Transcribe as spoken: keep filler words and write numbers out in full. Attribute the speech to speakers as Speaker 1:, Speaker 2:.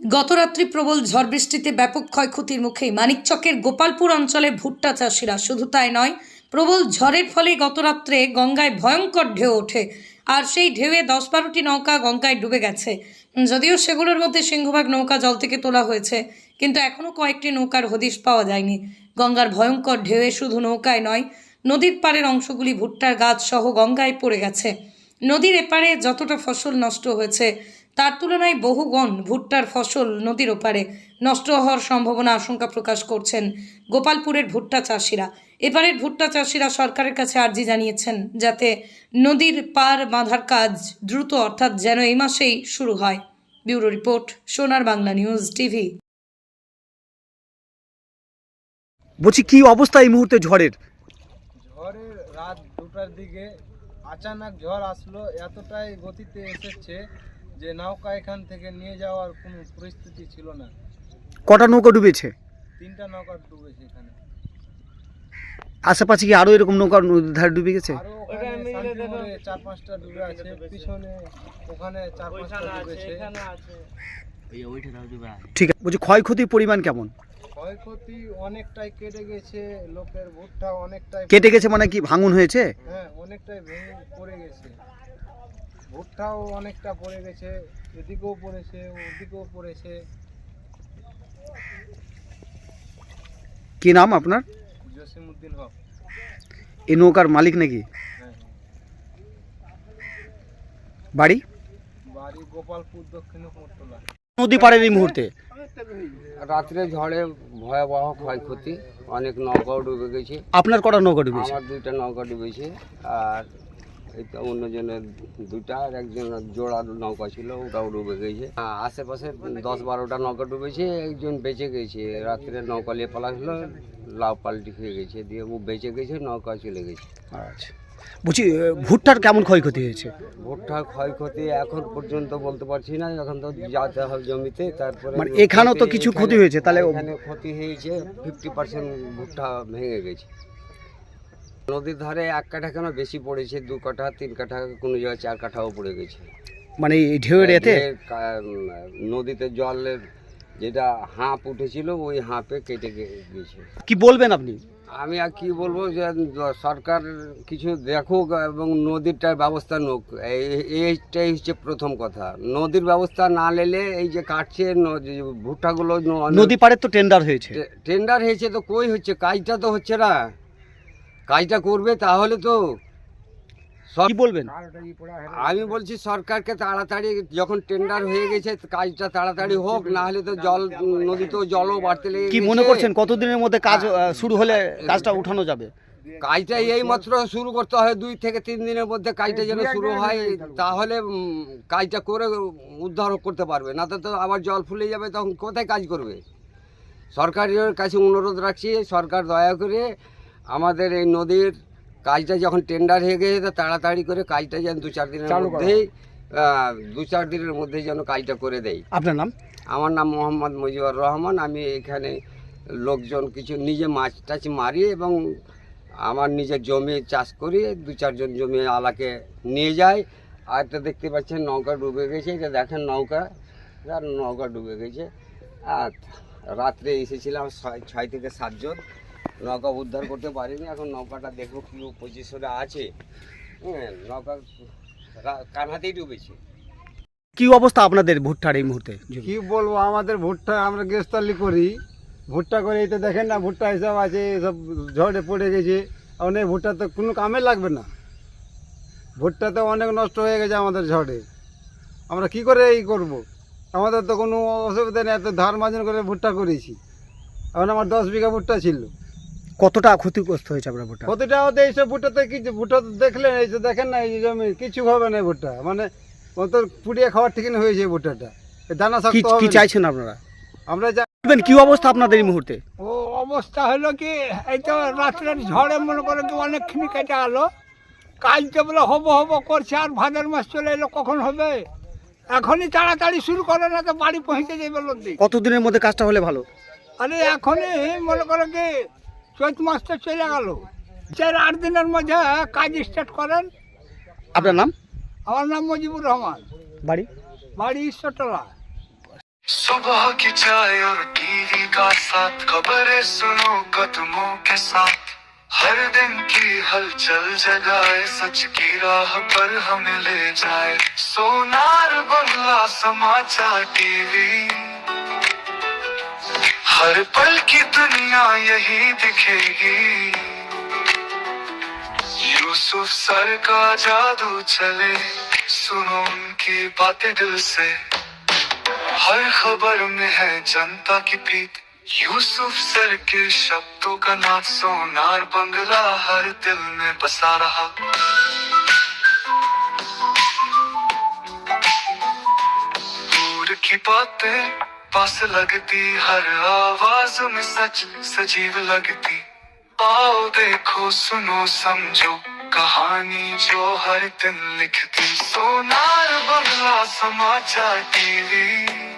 Speaker 1: গতরাত্রি প্রবল ঝড় বৃষ্টিতে ব্যাপক ক্ষয়ক্ষতির মুখে মানিকচকের গোপালপুর অঞ্চলে ভুট্টা চাষিরা। শুধু তাই নয়, প্রবল ঝড়ের ফলে গতরাত্রে গঙ্গায় ভয়ঙ্কর ঢেউ ওঠে, আর সেই ঢেউয়ে দশ বারোটি নৌকা গঙ্গায় ডুবে গেছে। যদিও সেগুলোর মধ্যে সিংহভাগ নৌকা জল থেকে তোলা হয়েছে, কিন্তু এখনও কয়েকটি নৌকার হদিশ পাওয়া যায়নি। গঙ্গার ভয়ঙ্কর ঢেউয়ে শুধু নৌকায় নয়, নদীর পাড়ের অংশগুলি ভুট্টার গাছ সহ গঙ্গায় পড়ে গেছে। নদীর এপারে যতটা ফসল নষ্ট হয়েছে, তার তুলনায় বহুগুণ ভুট্টার ফসল নদীর ওপারে নষ্ট হওয়ার সম্ভাবনা আশঙ্কা প্রকাশ করছেন গোপালপুরের ভুট্টা চাষিরা। এপারের ভুট্টা চাষিরা সরকারের কাছে আর্জি জানিয়েছেন যাতে নদীর পার বাঁধার কাজ দ্রুত, অর্থাৎ যেন এই মাসেই শুরু হয়। ব্যুরো রিপোর্ট, সোনার বাংলা নিউজ টিভি।
Speaker 2: বলছি কি অবস্থা এই মুহূর্তে ঝড়ের?
Speaker 3: ঝড়ের রাত দুটার দিকে আচানক ঝড় আসলো, এতটাই গতিতে এসেছে যে নৌকা এখান থেকে নিয়ে যাওয়ার কোনো পরিস্থিতি ছিল না।
Speaker 2: কটা নৌকা ডুবেছে?
Speaker 3: তিনটা নৌকা ডুবেছে এখানে।
Speaker 2: আশেপাশে কি আরো এরকম নৌকা নদীর ধারে ডুবে গেছে?
Speaker 3: আরো ওখানে শান্তিপুরে চার পাঁচটা ডুবে আছে, পিছনে ওখানে চার পাঁচটা ডুবেছে।
Speaker 2: ঠিক আছে, বলছি ক্ষয়ক্ষতির পরিমাণ কেমন?
Speaker 3: ক্ষয়ক্ষতি অনেকটাই কেটে গেছে, লোকের ভুট্টা অনেকটাই
Speaker 2: কেটে গেছে মানে কি ভাঙন হয়েছে?
Speaker 3: হ্যাঁ, অনেকটাই ভেঙে পড়ে গেছে। ভুট্টাও অনেকটা পড়ে গেছে, এদিকেও পড়েছে, ওদিকেও পড়েছে।
Speaker 2: কি নাম আপনার?
Speaker 3: জসিমউদ্দিন হক।
Speaker 2: এই নৌকার মালিক নাকি?
Speaker 3: হ্যাঁ,
Speaker 2: বাড়ি?
Speaker 3: বাড়ি গোপালপুর, দক্ষিণ কুমোরটুলা।
Speaker 2: নদী পাড়ের এই মুহূর্তে
Speaker 4: রাত্রে ঝড়ে ভয়াবহ ক্ষয়ক্ষতি, অনেক নৌকাও ডুবে গেছে।
Speaker 2: আপনার কটা নৌকা ডুবেছে?
Speaker 4: আমার দুইটা নৌকা ডুবেছে, আর এই তো অন্যজনের দুইটা, আর একজন জোড়া নৌকা ছিল ওটাও ডুবে গেছে। আ- আশেপাশে দশ বারোটা নৌকা ডুবেছে, একজন বেঁচে গেছে। রাত্রে নৌকা নিয়ে পালাছিল, লাউ পাল্টি খেয়ে গেছে, দিয়ে ও বেঁচে গেছে, নৌকা চলে গেছে।
Speaker 2: আচ্ছা, বলছি ভুট্টার কেমন ক্ষয়ক্ষতি হয়েছে?
Speaker 4: ভুট্টার ক্ষয়ক্ষতি এখন পর্যন্ত বলতে পারছি না, এখন তো যেতে হবে জমিতে। তারপরে
Speaker 2: মানে এখানেও তো কিছু ক্ষতি হয়েছে, তাহলে
Speaker 4: এখানে ক্ষতি হয়েছে, ফিফটি পার্সেন্ট ভুট্টা ভেঙে গেছে। নদীর ধারে এক কাঠা কেন বেশি পড়েছে, দু কাঠা তিন কাঠা, কোনো জায়গায় চার কাঠাও পড়ে গেছে।
Speaker 2: মানে এই ঢেউয়ের এতে
Speaker 4: ঢেউয়ের কা- উম, নদীতে জলের যেটা হাঁপ উঠেছিল ওই হাঁপে কেটে গে- গেছে।
Speaker 2: কি বলবেন আপনি?
Speaker 4: আমি আর কি বলবো, যে সরকার কিছু দেখুক এবং নদীরটার ব্যবস্থা নোক, এই- এইটাই হচ্ছে প্রথম কথা। নদীর ব্যবস্থা না নিলে এই যে কাটছে নদী ভুট্টাগুলো, ন-
Speaker 2: নদী পাড়ের তো টেন্ডার হয়েছে।
Speaker 4: টে- টেন্ডার হয়েছে তো কই হচ্ছে, কাজটা তো হচ্ছে না। কাজটা করবে তাহলে তো সব-
Speaker 2: কি বলবেন?
Speaker 4: আমি বলছি সরকারকে তাড়াতাড়ি, যখন টেন্ডার হয়ে গেছে কাজটা তাড়াতাড়ি হোক, না হলে তো জল নদীতেও জলও বাড়তে লেগে
Speaker 2: কি
Speaker 4: গেছে।
Speaker 2: মনে করছেন কতদিনের মধ্যে কাজ আহ, শুরু হলে কাজটা উঠানো যাবে?
Speaker 4: কাজটা এই মাত্র শুরু করতে হয়, দুই থেকে তিন দিনের মধ্যে কাজটা যেন শুরু হয়, তাহলে উম, কাজটা করে উদ্ধার করতে পারবে, না তো তো আবার জল ফুলে যাবে, তখন কোথায় কাজ করবে। সরকারের কাছে অনুরোধ রাখছি, সরকার দয়া করে আমাদের এই নদীর কাজটা যখন টেন্ডার হয়ে গেছে তো তাড়াতাড়ি করে কাজটা যেন দু চার দিনের মধ্যেই আহ, দু চার দিনের মধ্যেই যেন কাজটা করে দেয়।
Speaker 2: আপনার নাম?
Speaker 4: আমার নাম মোহাম্মদ মুজিবুর রহমান। আমি এখানে লোকজন কিছু নিজে মাছ টাছ মারি এবং আমার নিজের জমি চাষ করি, দু চারজন জমি আলাকে নিয়ে যাই। আর তো দেখতে পাচ্ছেন নৌকা ডুবে গেছে, এটা দেখেন নৌকা, আর নৌকা ডুবে গেছে। আর রাত্রে এসেছিলাম ছয় ছয় থেকে সাতজন, নৌকা উদ্ধার করতে পারিনি। এখন নৌকাটা দেখবো কী পজিশনে আছে। হ্যাঁ, নৌকা রা- কানাতেই ডুবেছে।
Speaker 2: কি অবস্থা আপনাদের ভুট্টার এই মুহূর্তে?
Speaker 3: কি বলবো, আমাদের ভুট্টা, আমরা গ্রেস্তালি করি, ভুট্টা করে এই তো দেখেন না, ভুট্টা হিসাব আছে, সব ঝড়ে পড়ে গেছে। অনেক ভুট্টা তো কোনো কামে লাগবে না, ভুট্টা তো অনেক নষ্ট হয়ে গেছে আমাদের ঝড়ে। আমরা কি করে এই করব? আমাদের তো কোনো অসুবিধা নেই, এত ধার মার্জন করে ভুট্টা করেছি। এখন আমার দশ বিঘা ভুট্টা ছিল।
Speaker 2: কতটা ক্ষতিগ্রস্ত হয়েছে আপনার ভুট্টা?
Speaker 3: প্রতিটা হতে এইসব ভুট্টাতে কিছু ভুট্টা তো দেখলেন, এই যে দেখেন না, এই যে জমি কিছু হবে না ভুট্টা, মানে অত পুড়িয়ে খাওয়ার ঠিক হয়েছে ভুট্টাটা, এই দানা
Speaker 2: কি
Speaker 3: শক্ত হবে
Speaker 2: কি
Speaker 3: না।
Speaker 2: চাইছেন আপনারা?
Speaker 3: আমরা যা
Speaker 2: বলবেন কি অবস্থা আপনাদের এই মুহূর্তে?
Speaker 5: ও অবস্থা হলো কি, এই তো রাত্রের ঝড়ে মনে করে কি অনেকখানি কেটে গেলো। কাজটা বলে হবো হবো করছে, আর ভাদ্র মাস চলে এলো, কখন হবে? এখনই তাড়াতাড়ি শুরু করে, না তো বাড়ি পৌঁছে যাবে লোকদিন।
Speaker 2: কতদিনের মধ্যে কাজটা হলে ভালো?
Speaker 5: আরে এখনই মনে করে কি চৈত মাস তো চলে গেল, চার আট দিনের মধ্যে কাজ স্টার্ট করেন।
Speaker 2: আপনার নাম?
Speaker 5: আমার নাম মুজিবুর রহমান,
Speaker 2: বাড়ি?
Speaker 5: বাড়ি ঈশ্বরতলা।
Speaker 6: सुबह की चाय और टीवी का साथ, खबरें सुनो कदमों के साथ, हर दिन की हलचल जगाए, सच की राह पर हमें ले जाए। सोनार बंगला समाचार टीवी, हर पल की दुनिया यही दिखेगी। यूसुफ सर का जादू चले, सुनो उनकी बातें दिल से, हर खबर में है जनता की पीठ। यूसुफ सर के शब्दों का नाच, सोनार बंगला हर दिल में बसा रहा। दूर की बातें पास लगती, हर आवाज में सच सजीव लगती। आओ देखो सुनो समझो कहानी जो हर दिन लिखती। सोनार बंगला समाचार टीवी।